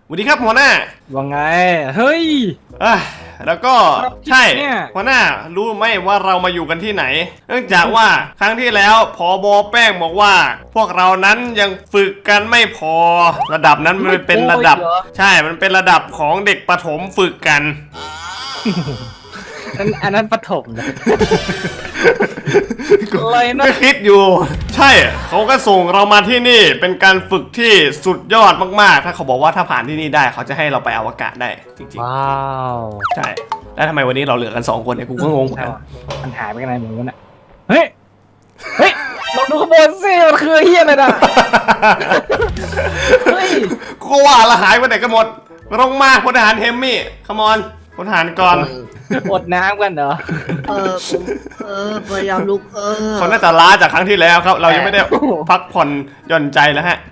สวัสดีครับหัวหน้าว่าไงเฮ้ยแล้วก็ใช่หัวหน้ารู้ไหมว่าเรามาอยู่กันที่ไหนเนื่องจากว่าครั้งที่แล้วผบ.แป้งบอกว่า พวกเรานั้นยังฝึกกันไม่พอระดับนั้นมันเป็นระดับใช่มันเป็นระดับของเด็กประถมฝึกกันอันนั้นประถมนะไม่คิดอยู่ใช่เขาก็ส่งเรามาที่นี่เป็นการฝึกที่สุดยอดมากๆถ้าเขาบอกว่าถ้าผ่านที่นี่ได้เขาจะให้เราไปอวกาศได้จริงๆว้าวใช่แล้วทำไมวันนี้เราเหลือกัน2คนเนี่ยกูก็งงเหมือนกันมันหายไปกันไหนหมดวะเนี่ยเฮ้ยลองดูขบวนสิมันคือเฮียอะไรนะเฮ้ยกูว่าละหายไปไหนกันหมดลงมาพลทหารเฮมมี่คัมอนพลทหารก่อนอดน้ำกันเหรอพยายามลุกเขาน่าจะล้าจากครั้งที่แล้วครับเรายังไม่ได้พักผ่อนหย่อนใจแล้วฮะ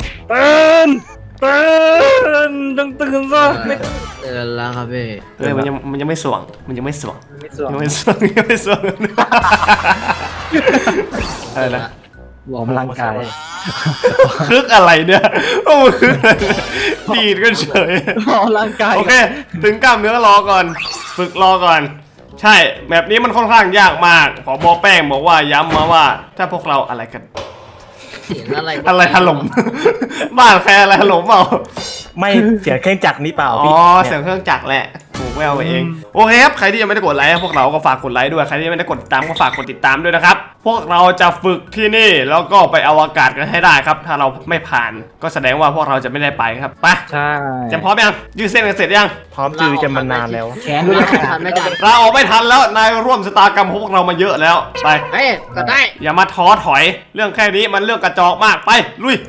ตื่นตื่นซะไม่ตื่นแล้วครับพี่มันยังไม่สว่างยังไม่สว่างอะไรนะวอร์มร่างกายคึกอะไรเนี่ยโอ้คึกดีดกันเฉยวอร์มร่างกายโอเคถึงกล้ามเนื้อรอก่อนฝึกรอก่อนใช่แบบนี้มันค่อนข้างยากมากผบ.แป้งบอกว่าย้ำมาว่าถ้าพวกเราอะไรกันอะไรถล่มบ้านใครอะไรถล่มเปล่าไม่เสียงเครื่องจักรนี่เปล่าอ๋อเสียงเครื่องจักรแหละถูกแววไปเองโอเคครับใครที่ยังไม่ได้กดไลค์พวกเราก็ฝากกดไลค์ด้วยใครที่ยังไม่ได้กดติดตามก็ฝากกดติดตามด้วยนะครับพวกเราจะฝึกที่นี่แล้วก็ไปอวกาศกันให้ได้ครับถ้าเราไม่ผ่านก็แสดงว่าพวกเราจะไม่ได้ไปครับไปใช่จะพร้อมยังยืดเส้นกันเสร็จยังพร้อมจือจะมานานแล้วแขนด้วยทันไม่ทันเราออกไม่ทันแล้วนายร่วมชะตากรรมของพวกเรามาเยอะแล้วไปก็ได้อย่ามาท้อถอยเรื่องแค่นี้มันเรื่องกระจอกมากไปลุย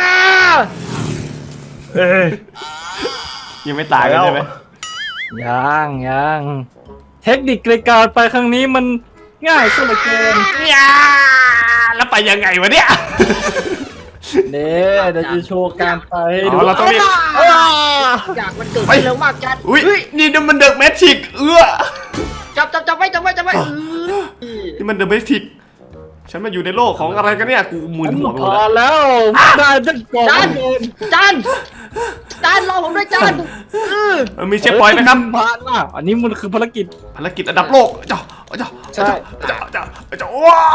ยังไม่ตายกันใช่ไหมยังเทคนิคในการไปครั้งนี้มันง่ายสุดเลยเกินแล้วไปยังไงวะเนี่ยเนี่ยเดี๋ยวจะโชว์การไปดูเราต้องรีบอยากมันเกิดเร็วมากจัดอุ้ยนี่มันเดอะแมทริกจับไว้นี่มันเดอะแมทริกฉันมาอยู่ในโลกของอะไรกันเนี่ยกูมึนหัวหมดแล้วได้จังก่อนจานรอผมด้วยจานมีเชฟปอยไหมครับผ่านละอันนี้มันคือภารกิจอันดับโลกใช่ว้า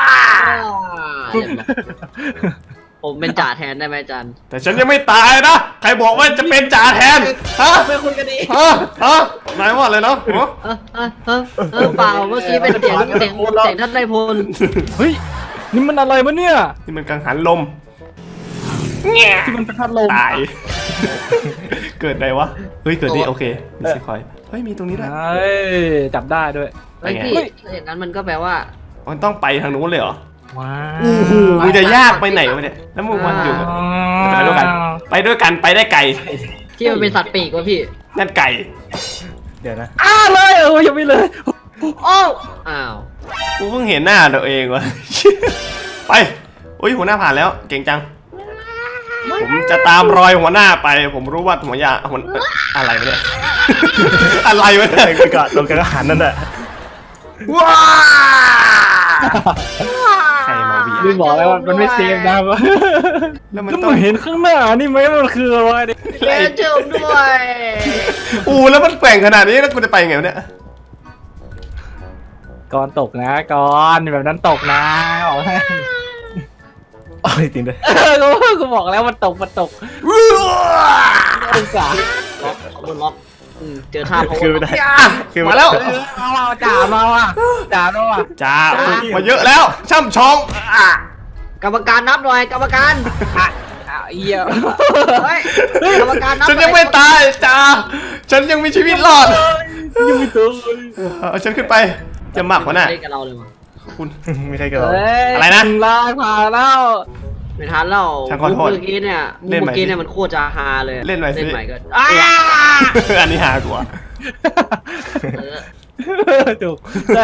ผมเป็นจ่าแทนได้ไหมจันแต่ฉันยังไม่ตายนะใครบอกว่าจะเป็นจ่าแทนฮะไปคุยกันดีนายว่าอะไรเนาะเปล่าเมื่อกี้เป็นเสียงท่านนายพลเฮ้ยนี่มันอะไรวะเนี่ยนี่มันกังหันลมที่มันเป็นพัดลมตายเกิดอะไรวะเฮ้ยเกิดนี่โอเคมีสิคอยเฮ้ยมีตรงนี้ด้วยจับได้ด้วยเฮ้ยอย่างนั้นมันก็แปลว่ามันต้องไปทางนู้นเลยเหรอว้าวจะยากไปไหนวะเนี่ยแล้วมึงมันอยู่ไปด้วยกันไปได้ไก่ที่มันเป็นสัตว์ปีกวะพี่นั่นไก่เดี๋ยวนะเลยยังไม่เลยอ้าวกูเพิ่งเห็นหน้าตัวเองวะไปโอ้ยหัวหน้าผ่านแล้วเก่งจังผมจะตามรอยหัวหน้าไปผมรู้ว่าหัวอะไรวะเนี่ยอะไรวะเนี่ยตรงกระหันนั่นแหละว้าใครมาไม่บอกแล้วมันไม่เซฟนะแล้วมันต้องเห็นข้างหน้านี่ไหมมันคืออะไรเนี่ยเจอด้วยแล้วมันแกว่งขนาดนี้แล้วกูจะไปไงเนี่ยก่อนตกนะก่อนแบบนั้นตกนะบอกให้จริงด้วยกูบอกแล้วมันตกอุตส่าห์ล็อกเจอท่าเขาคือมาแล้วจ่ามาว่ะจ่ามาเยอะแล้วช่ำชองกรรมการนับหน่อยกรรมการเอี้ยกรรมการนับฉันยังไม่ตายจ่าฉันยังมีชีวิตรอดยังไม่ตายเอาฉันขึ้นไปจะมากกว่าน่ะไม่กับเราเลยมั้งคุณไม่ใช่กับเราอะไรนะลาผ่านแล้วไม่ทันแล้วเมื่อกี้เนี่ยมันโคตรจะฮาเลยเล่นใหม่ก็อันนี้ฮากว่าถูกได้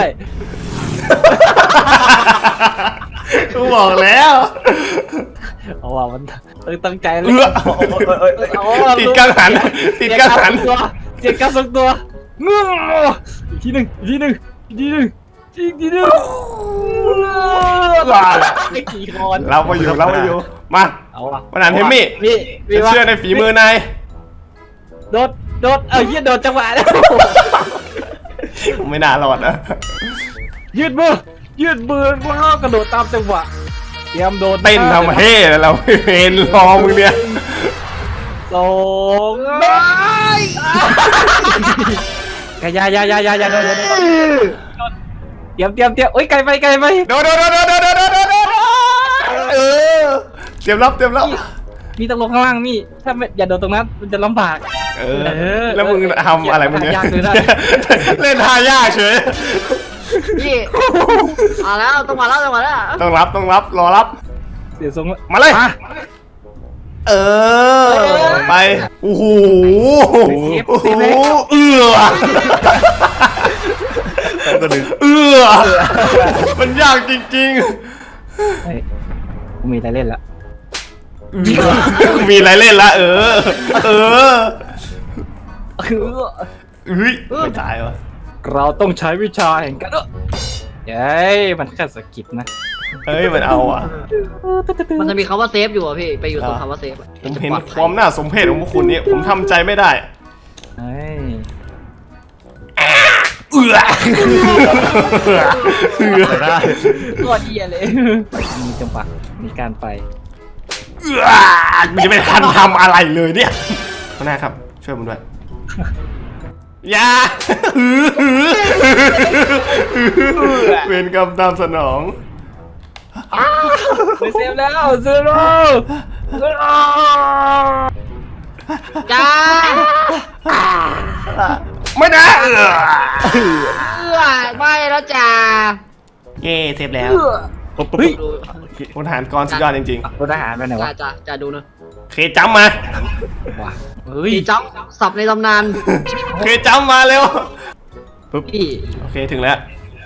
กูบอกแล้วเอาว่ามันตั้งใจเลยติดกังหันเสียงการทรงตัวอีกทีหนึ่งกี่คนเราไปอยู่มาเอาวันนั้นเทมมี่เชื่อในฝีมือนายโดดเหี้ยโดดจังหวะแล้วไม่น่ารอดนะยืดมือพวกเรากระโดดตามจังหวะเตรียมโดดเต้นทำเฮ่แล้วเราเห็นรอมึงเนี่ยสองอย่าโดดเตรียมโอ้ยไกลไปโดดเออเตรียมรับมีตรงลงข้างล่างนี่ถ้าไม่อย่าโดดตรงนั้นมันจะลำบากเออแล้วมึงทำอะไรมึงเนี่ยยากเลยนะเล่นท่ายากเฉยพี่มาแล้วต้องมาแล้วต้องรับรอรับเสียทรงแล้วมาเลย เออไปโอ้โหเอื้อก็ดึงมันยากจริงเฮ้ยกูมีอะไรเล่นละๆมีอะไรเล่นละเออเฮ้ยไม่ตายวะเราต้องใช้วิชาแห่งการเย้ยมันแค่สะกิดนะเฮ้ยมันเอาอ่ะมันจะมีคำว่าเซฟอยู่อ่ะพี่ไปอยู่ตรงคำว่าเซฟผมเห็นความน่าสมเพชของพวกคุณนี่ผมทำใจไม่ได้เฮ้ยเอื้อได้ตัวเดียเลยมีจังหวะมีการไปมันจะไม่ทันทำอะไรเลยเนี่ยหัวหน้าครับช่วยผมด้วยอย่าเวรกรรมตามสนองไปเซฟแล้วเซฟแล้วจ้าไม่นะไม่แล้วจ้าเย่เซฟแล้วปุ๊บดูพลทหารกรสุดยอดจริงรถทหารไปไหนวะจ้าดูนะๆเคจัมมาว้าเฮ้ยพี่จ้องสับในตำนานเคจัมมาเร็วพี่โอเคถึงแล้ว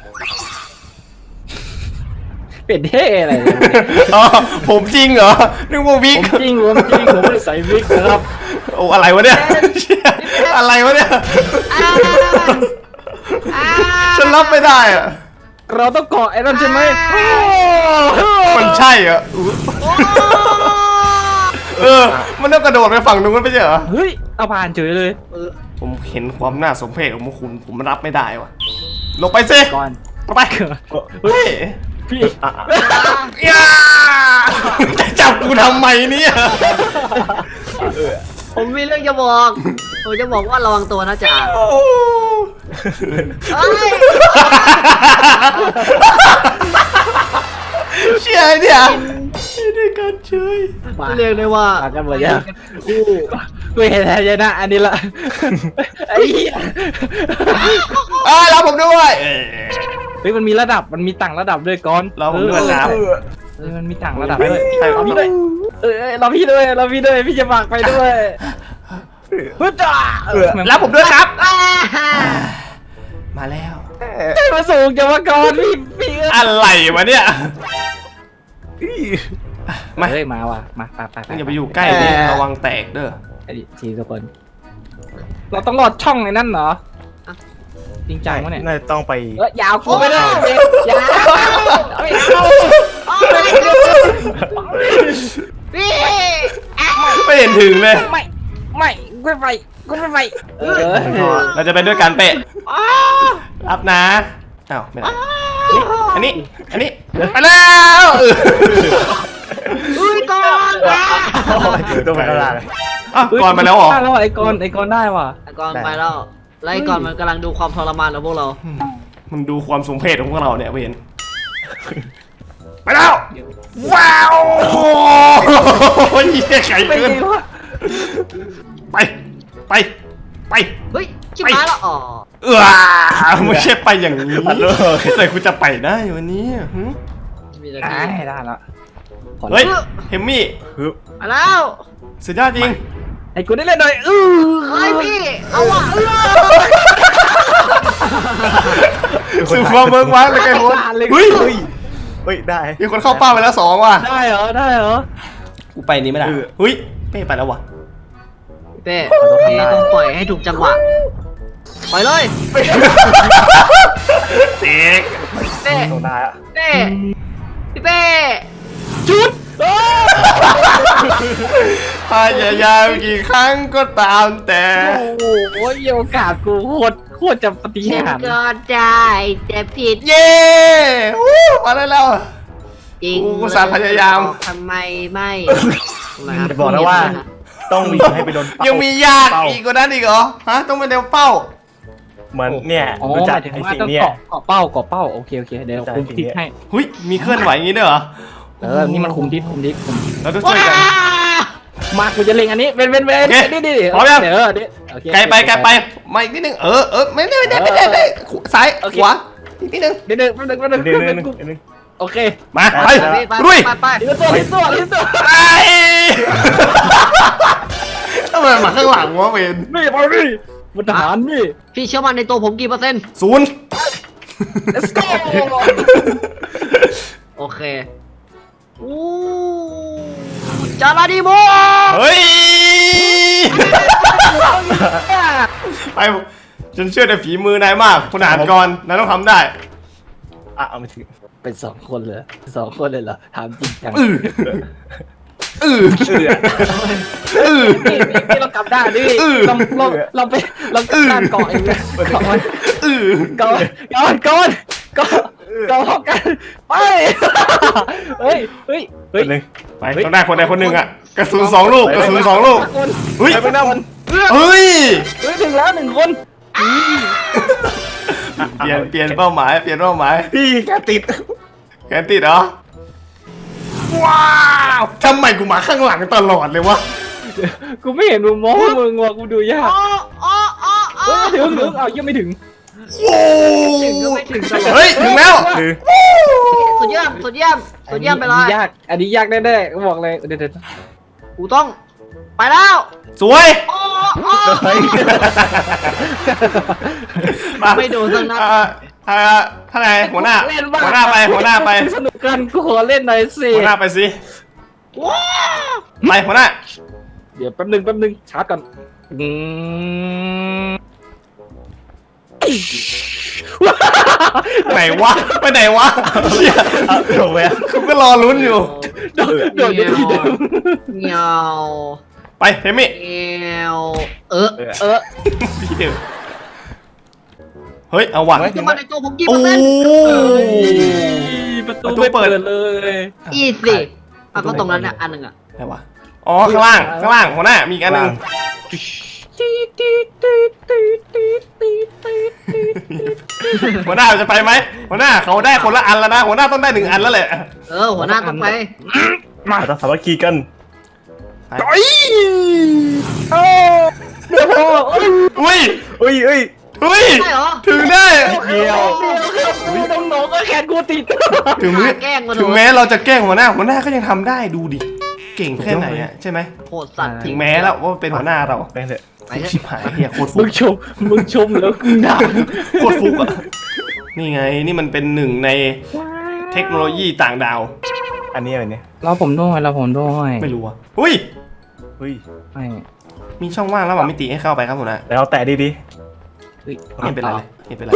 เป็ดเท่อะไรอ๋อผมจริงเหรอนึกว่าวิผกมจริงผมไม่ได้ใส่วิกนะครับโอ้อะไรวะเนี่ยอะไรวะเนี่ยฉันรับไม่ได้อะเราต้องเกาะไอ้นั่นใช่ไหมมันใช่เหรอมันต้องกระโดดไปฝั่งนู้นไม่ใช่เหรอเฮ้ยเอาผ่านเฉยเลยผมเห็นความน่าสมเพชของพวกคุณผมรับไม่ได้วะลงไปสิก่อนลงไปเฮ้ยพี่อย่าจะจับกูทำไมเนี่ยผมมีเรื่องจะบอกผมจะบอกว่าระวังตัวนะจ๋าเฮ้ยเชี่ยไอ้เนี่ยด้วยกันเฉยเรียกได้ว่ามากันหมดยังกูเห็นแล้วนะอันนี้ละไอ้เหี้ยรับผมด้วยเฮ้ยมันมีระดับมันมีต่างระดับด้วยก่อนเราผมด้วยครับเฮ้ยมันมีต่างระดับด้วยใช่ครับเราพี่ด้วยเราพี่ด้วยพี่จะฝากไปด้วยฮึดอ่ะรับผมด้วยครับ มาแล้วใจมาสูงจะมาก่อนพี่อะไรวะเนี่ยมาเฮ้ยมาว่ะมาไปอย่าไปอยู่ใกล้ดิระวังแตกเด้อไอ้ดิทีทุกคน เราต้องรอดช่องไอ้นั่นเหรอจริงจังวะเนี่ยน่าจะต้องไปยาวกูไม่ได้ยาวไม่เอาพี่ไม่เห็นถึงเลยไม่กูไม่ไปเราจะไปด้วยกันเป๊ะรับนะอ้าวไม่ได้อันนี้ไปแล้วอุ้ยก่อนต้องไปข้างล่างอ้าวก่อนมาแล้วเหรอแล้วไอ้กอนได้ว่ะก่อนไปแล้วไล่ก่อนมันกำลังดูความทรมานของพวกเรามันดูความสมเพชของพวกเราเนี่ยเห็นไปแล้วว้าวโอ้ยไข่ไปเกินไงวะไปเฮ้ยชิบหายแล้วอ๋อไม่ใช่ไปอย่างนี้แต่กูจะไปได้วันนี้มีแต่ได้พี่ได้แล้วเฮ้ยเฮมมี่มาแล้วสุดยอดจริงไอ้กูได้เล่นหน่อยเฮ้ยพี่เอาว่ะสื่อความเบิกว้างเลยไงคนเฮ้ยเฮ้ยได้มีคนเข้าเป้าไปแล้ว2ว่ะได้เหรอกูไปนี้ไม่ได้เฮ้ยเป้ไปแล้ววะเป้พี่ต้องปล่อยให้ถูกจังหวะปล่อยเลยเด็กเป้ต้องได้อะเป้พี่เป้จุดพยายามกี่ครั้งก็ตามแต่โอ้โหโอกาสกูโคตรจะปฏิฉันหารย์ก็ได้แต่ผิดเย้วู้มาได้แล้วจริงกูอุตส่าห์พยายามทำไมไม่จะบอกนะว่า ต้องมีให้ไปโดนเป้ายังมียากอีกกว่านั้นอีกเหรอฮะต้องไปเร็วเป้าเหมือนเนี่ยอ๋อรู้หจักมายถึงไอ้ว่าสิ่งต้องเนี้ยเกาะเป้าโอเคเดี๋ยวคุมทิศให้หุยมีเคลื่อนไหวอย่างนี้ด้วยเหรอนี่มันคุมทิศเราต้องช่วยกันมากูจะเล็งอันนี้เป็นโอเคดิพร้อมยังเดี๋ยวโอเคไกลไปมาอีกนิดนึงไม่ได้ซ้ายขวาอีกนิดนึงเดี๋ยวแป๊บนึง โอเคมาไปไปลุยไปลิ้นตัวไอ้ทำไมมาข้างหลังวะเวนนี่มาดิบนทหารนี่พี่เชื่อมั่นในตัวผมกี่เปอร์เซ็นต์ 0 let's go โอเคอู้จาราดีโมเฮ้ยไปฉันเชื่อในฝีมือนายมากคุณอ่านก่อนนายต้องทำได้อ่ะเอาไม่ถึงเป็น2 คนเลยเหรอถามจริงจัง นี่เรากลับด้านดิเราไปด้านเกาะเองเลยเกาะกันไปเฮ้ยหนึ่งไปต้องได้คนใดคนหนึ่งอ่ะกระสุน2 ลูกเฮ้ยไปนั่งเฮ้ยถึงแล้ว1 คนเปลี่ยนเป้าหมายพี่แกติดแกติดเหรอว้าวทำไมกูมาข้างหลังตลอดเลยวะกูไม่เห็นมุมมองมึงว่ะกูดูยาก ถึงเอายังไม่ถึงโอ้ถึงก็ไม่ถึงตลอดเฮ้ยถึงแล้วคือสุดเยี่ยมไปเลยอันนี้ยากแน่ๆก็บอกเลยเดี๋ยวกูต้องไปแล้วสวยเฮ้ยไม่โดนสักนัดท่านนายหัวหน้าไปสนุกกันกูขอเล่นหน่อยสิหัวหน้าไปสิว้าไปหัวหน้าเดี๋ยวแป๊บนึงชาร์จก่อนไหนวะไปไหนวะเชี่ยถูกไหมกูก็รอลุ้นอยู่โดดอยู่ที่เดิมเงียวไปเทมิเงียวพี่เดิมเฮ้ยเอาว่ะเชื่อมั่นในตัวผมกี่โอ้เปอร์เซ็นต์ประตูไม่เปิดเลยอีสิก็ตรงนั้นเนี่ยอันหนึ่งอ่ะอะไรวะอ๋อข้างล่างหัวหน้ามีอีกอันหนึงหัวหน้าจะไปไหมหัวหน้าเขาได้คนละอันแล้วนะหัวหน้าต้องได้1 อันแล้วแหละหัวหน้าต้องไปมาต้องสามัคคีกันเดี๋ยวพออุ้ยเฮ้ยใช่เหรอถึงได้เดียวน้องก็แขนกูติดแกล้งมาถึงแม้เราจะแกล้งหัวหน้าก็ยังทำได้ดูดิเก่งแค่ไหนอะใช่ไหมโหดสัตว์ถึงแม้แล้วว่าเป็นหัวหน้าเราแม่งเถอะไปเถชิบอะหายเฮียโคตรฟุมึกงชมแล้วกูด่าโคตรฟุกอะนี่ไงนี่มันเป็น1 ในเทคโนโลยีต่างดาวอันนี้อะไรเนี่ยเราผมด้วยไม่รู้อะอุ้ยเฮ้ยไม่มีช่องว่างระหว่างมิติให้เข้าไปครับหัวหน้าแล้วแตะดีไม่เป็นไรเลยไม่เป็นไร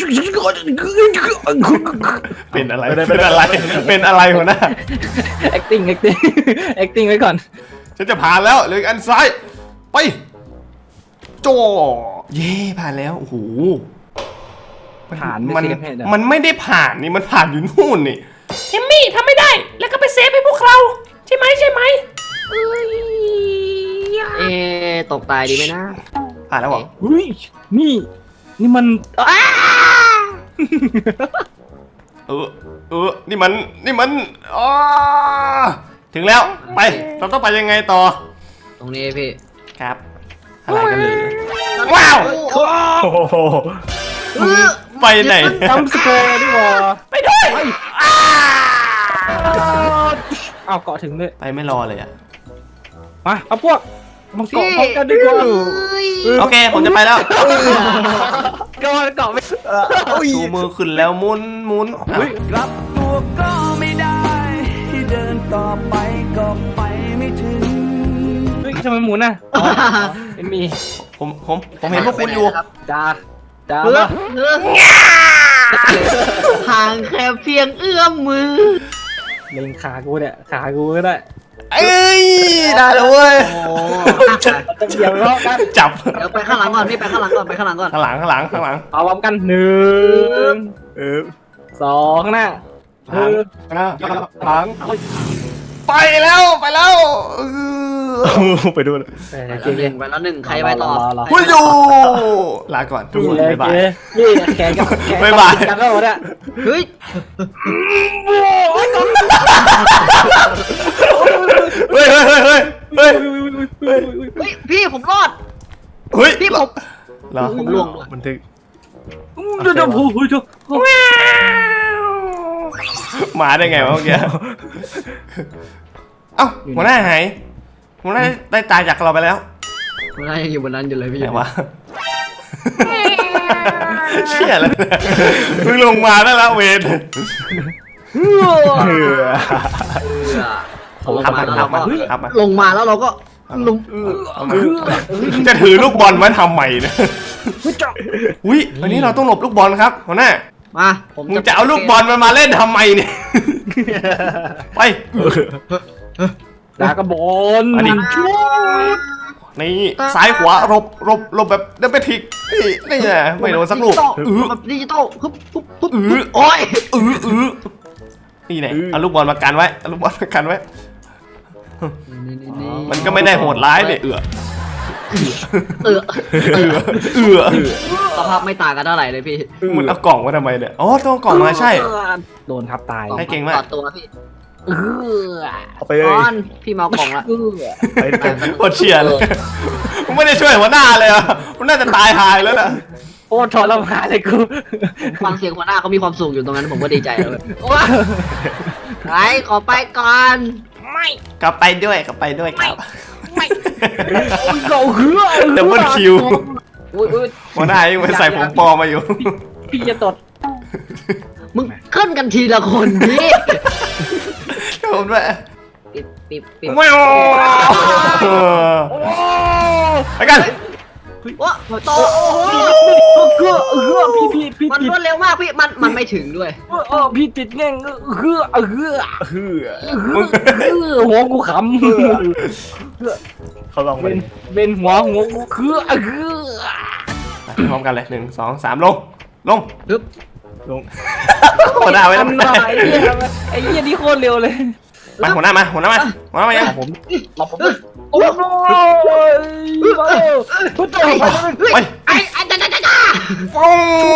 เป็นอะไรเป็นอะไรหัวหน้า acting acting ไว้ก่อนฉันจะผ่านแล้วเหลืออีกอันซ้ายไปโจเย่ผ่านแล้วโอ้โหผ่านมันเซฟให้เดี๋ยวมันไม่ได้ผ่านนี่มันผ่านอยู่นู่นนี่เอมมี่ทำไม่ได้แล้วก็ไปเซฟให้พวกเราใช่ไหมตกตายดีไหมนะผ่านแล้วเหรออุ้ยนี่มันนี่มันอ๋อถึงแล้วไปเราต้องไปยังไงต่อตรงนี้พี่ครับอะไรกันเลยว้าวๆ โอ้โหไปไหนจำสแกร์ดีกว่าไปด้วยเอาเกาะถึงเลยไปไม่รอเลยอ่ะมาเอาพวกมาเกาะพร้อมกันดีกว่าโอเคผมจะไปแล้วเกาะไม่ชูมือขึ้นแล้วหมุนอ่ะกลับตัวก็ไม่ได้ที่เดินต่อไปก็ไปไม่ถึงเฮ้ยทำไมหมุนอ่ะเป็นมีผมเห็นพวกคุณอยู่จ้าเพื่อห่างแค่เพียงเอื้อมมือเล็งขากูเนี่ยขากูก็ได้เอ้ยได้แล้วเว้ยโอ้เดี๋ยวรอกันจับเดี๋ยวไปข้างหลังก่อนพี่ไปข้างหลังก่อนไปข้างหลังก่อนข้างหลังข้างหลังข้างหลังเอาพร้อมกัน1 2ข้างหน้าข้างหลังข้างหลังไปแล้วไปแล้วไปดูเลยไปแล้วหนึ่งใครไปต่อคุณอยู่ลาก่อนทุกคนบ๊ายบายนี่แขนกับแขนบ๊ายบายกันแล้วเนี่ยเฮ้ยเฮ้ยเฮ้ยเฮ้ยเฮ้ยเฮ้ยเฮ้ยพี่ผมรอดเฮ้ยพี่ผมเหรอผมล่วงบันทึกเดี๋ยวพูดหมาได้ไงวะเมื่อกี้เอ้าหัวหน้าหายหัวหน้าได้ตายจากเราไปแล้วมันยังอยู่บนนั้นอยู่เลยพี่ไหนวะเชี่ยแล้วเนี่ยเพิ่งลงมาได้แล้วเวรลงมาแล้วเราก็ครับมาลงมาแล้วเราก็ลงจะถือลูกบอลไว้ทำไมเนี่ยอุ้ยวันนี้เราต้องหลบลูกบอลครับหัวหน้ามาผมมึงจะเอาลูกบอลมันมาเล่นทำไมเนี่ยไปดากระบอลอันนี้ นี่ซ้ายขวาหลบแบบเดินไปทิกนี่ไงไม่โดนสักลูกแบบดิจิตอลฮึบโอ้ยนี่ไงเอาลูกบอลมากันไว้เอาลูกบอลมากันไว้ มันก็ไม่ได้โหดร้ายเนี่ยสภาพไม่ต่างกันเท่าไหร่เลยพี่มึงเอากล่องมาทำไมเนี่ยอ๋อต้องเอากล่องมาใช่โดนทับตายให้เก่งมากต่อตัวพี่เอาไปเลยก้อนพี่เมากล่องละไปด้วยกันโคตรเชียร์เลยมึงไม่ได้ช่วยหัวหน้าเลยอ่ะมันน่าจะตายหายแล้วน่ะโอ้ทรมานเลยกูฟังเสียงหัวหน้าเขามีความสุขอยู่ตรงนั้นผมก็ดีใจแล้วไปขอไปก่อนกลับไปด้วยครับเราเหือดับเบิลคิวอุ้ยหัวหน้ายังไปใส่ผมปลอมมาอยู่พี่จะตดมึงขึ้นกันทีละคนพี่ผมด้วยปิดไม่โอ้ไปกันว้าโตเหือพี่มันติดรวดเร็วมากพี่มันไม่ถึงด้วยพี่ติดแง่งเหือ หัวกูขำเขาลองไปเป็นหัวกูคือพร้อมกันเลย1 2 3ลงฮึบลงหัวหน้าไว้ทำหน่อยไอ้เหี้ยนี่โคตรเร็วเลยไปหัวหน้ามายังผมโอ้ยพุทโธไปไอ้จ้าฟง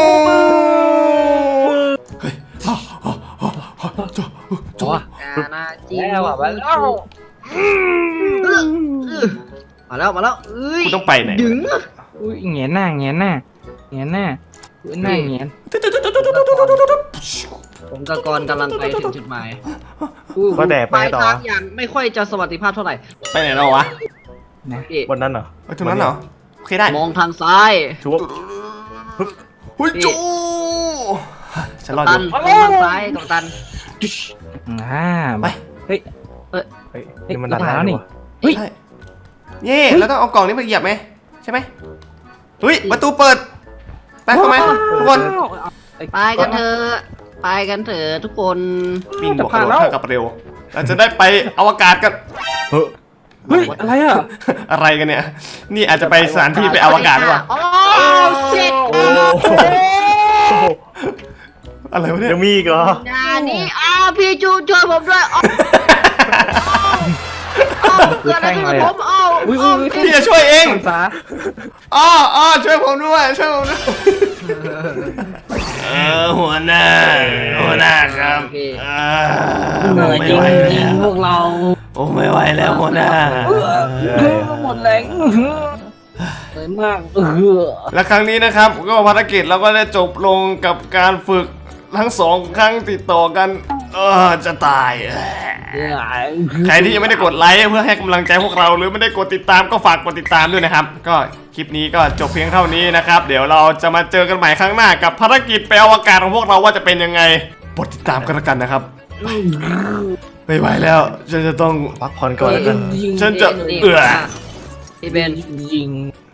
จัวนาจีแล้วมาแล้วมาแล้วเอ้ยกูต้องไปไหนดึงอุ้ยเงี้ยหน้าหน้าหน้าเงี้ยผมกับกรกำลังไปถึงจุดหมายว่าแต่ไปปลายต่อทางอย่างไม่ค่อยจะสวัสดิภาพเท่าไหร่ไปไหนเราวะพี่วันนั้นเหรอไปตรงนั้นเหรอโอเคได้มองทางซ้ายชัวร์หุ้ยจูฉันรออตัยู่นมองทางซ้ายกับตันไปเฮ้ยนี่มันดันได้นี่เฮ้ยใช่เย่แล้วต้องเอากล่องนี้มาเหยียบไหมใช่ไหมเฮ้ยประตูเปิดไปเข้ามาทุกคนไปกันเถอะทุกคนวิ่งบวกกระโดดเท่ากับเร็วเราจะได้ไปอวกาศกันเฮ้ยอะไรอ่ะอะไรกันเนี่ย นี่อาจจะไปสถานที่ไปอวกาศหรือเปล่าโอ้เช็ดอะไรวะเนี่ยยังมีอีกเหรอนานี่พี่จูช่วยผมด้วยเกิดอะไรขึ้นกับผมพี่พี่จะช่วยเองสาอ๋อช่วยผมด้วยหัวหน้าครับเหนื่อยจริงพวกเราโอ้ไม่ไหวแล้วหัวหน้าหมดแรงเลยมากและครั้งนี้นะครับก็ภารกิจเราก็ได้จบลงกับการฝึกทั้ง2 ครั้งติดต่อกันจะตายใครที่ยังไม่ได้กดไลค์เพื่อให้กำลังใจพวกเราหรือไม่ได้กดติดตามก็ฝากกดติดตามด้วยนะครับก็คลิปนี้ก็จบเพียงเท่านี้นะครับเดี๋ยวเราจะมาเจอกันใหม่ครั้งหน้ากับภารกิจไปอวกาศของพวกเราว่าจะเป็นยังไงกดติดตามกันแล้วกันนะครับไม่ไหวแล้วฉันจะต้องพักผ่อนก่อนแล้วกันฉันจะพี่เบนยิง